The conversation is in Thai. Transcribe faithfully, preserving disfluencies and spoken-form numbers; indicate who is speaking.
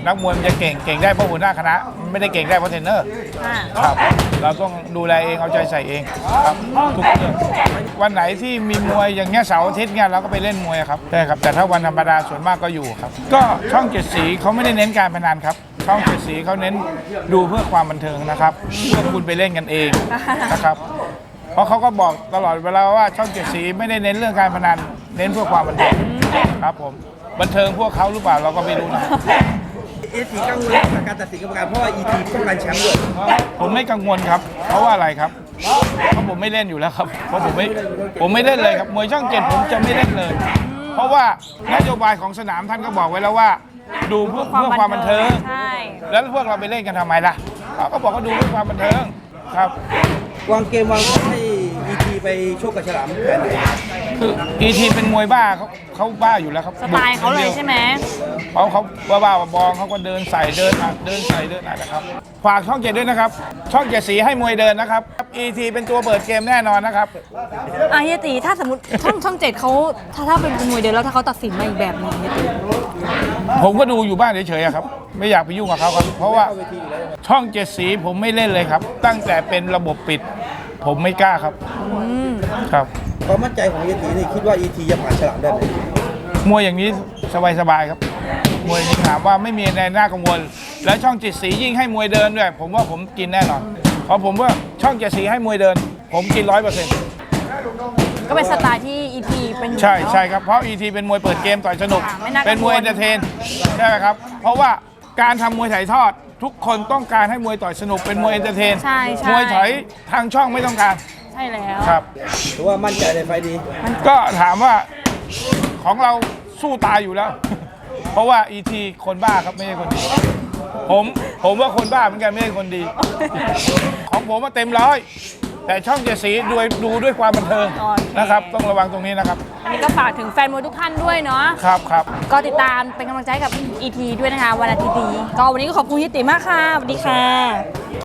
Speaker 1: นักมวยมันจะเก่งเก่งได้เพราะหัวหน้าคณะไม่ได้เก่งได้เพราะเทรนเนอร์ครับเราต้องดูแลเองเอาใจใส่เองครับทุกเรื่องวันไหนที่มีมวยอย่างเงี้ยเสาร์อาทิตย์เงี้ยเราก็ไปเล่นมวยครับใช่ครับแต่ถ้าวันธรรมดาส่วนมากก็อยู่ครับก็ช่องเจ็ดสีเขาไม่ได้เน้นการพนันครับช่องเจ็ดสีเขาเน้นดูเพื่อความบันเทิงนะครับเพื่อคุณไปเล่นกันเองนะครับเพราะเขาก็บอกตลอดเวลาว่าช่องเจ็ดสีไม่ได้เน้นเรื่องการพนันเน้นเพื่อความบันเทิงครับผมบันเทิงพวกเขาหรือเปล่าเราก็ไม่รู้นะ
Speaker 2: เอสีกังวลกับการตัดสินกรรมการเพราะว่าอีทีต้องการแชมป์ด้วย
Speaker 1: ผมไม่กังวลครับเพราะว่าอะไรครับเพราะผมไม่เล่นอยู่แล้วครับเพราะผมไม่ผมไม่เล่นเลยครับมวยช่องเจ็ดผมจะไม่เล่นเลยเพราะว่านโยบายของสนามท่านก็บอกไว้แล้วว่าดูเพื่อเพื่อความบันเทิงแล้วพวกเราไปเล่นกันทำไมล่ะเขาก็บอกว่าดูเพื่อความบันเทิงครับ
Speaker 2: วางเกมวางให้อีทีไปโชคกับฉลามแผนไหน
Speaker 1: คืออีทีเป็นมวยบ้าเขาเขาบ้าอยู่แล้วครับ
Speaker 3: สไตล์เขาเลยใช่ไหม
Speaker 1: เขาเขาบ้าบ้าบองเขาก็เดินใส่เดินอัดเดินใส่เดินอัดนะครับฝากช่องเจ็ดด้วยนะครับช่องเจ็ดสีให้มวยเดินนะครับอีทีเป็นตัวเปิดเกมแน่นอนนะครับ
Speaker 3: อ่ะเฮียตีถ้าสมมติช่องช่องเจ็ดเขาถ้าถ้าเป็นมวยเดินแล้วถ้าเขาตัดสินมาอีกแบบนึงเฮียตี
Speaker 1: ผมก็ดูอยู่บ้านเฉยๆครับไม่อยากไปยุ่งกับเขาครับเพราะว่าช่องเจ็ดสีผมไม่เล่นเลยครับตั้งแต่เป็นระบบปิดผมไม่กล้าครับครับ
Speaker 2: ความมั่นใจของเอทีนี่คิดว่าอีทีจะผ่านฉลามได้ไหม
Speaker 1: มวยอย่างนี้สบายๆครับมวยนี้ถามว่าไม่มีในหน้ากังวลแล้วช่องเจ็ดสียิ่งให้มวยเดินด้วยผมว่าผมกินแน่นอนเพราะผมว่าช่องเจ็ดสีให้มวยเดินผมกินร้อยเปอร์เซ็นต์
Speaker 3: ก็เป็นสไตล์ที่อีทีเป็น
Speaker 1: ใช่ใช่ครับเพราะอีทีเป็นมวยเปิดเกมต่อยสนุกเป็นมวยเอนเตอร์เทนใช่ไหมครับเพราะว่าการทำมวยถ่ายทอดทุกคนต้องการให้มวยต่อยสนุกเป็นมวยเอนเตอร์เทนมวยถอยทางช่องไม่ต้องการ
Speaker 3: ใช่แล้ว
Speaker 1: ครับ
Speaker 2: ถือว่ามั่นใจในไฟดี
Speaker 1: ก็ถามว่าของเราสู้ตายอยู่แล้วเพราะว่าอีทีคนบ้าครับไม่ใช่คนดีผมผมว่าคนบ้าเหมือนกันไม่ใช่คนดีของผมมาเต็มร้อยแต่ช่องเจ็ดสีดูดูด้วยความบันเทิงนะครับต้องระวังตรงนี้นะครับ
Speaker 3: อันนี้ก็ฝากถึงแฟนมวยทุกท่านด้วยเนาะ
Speaker 1: ครับครับ
Speaker 3: ก็ติดตามเป็นกำลังใจกับ อี ที ด้วยนะคะวันอาทิตย์นี้ก็วันนี้ก็ขอบคุณเฮียตีมากค่ะสวัสดีค่ะ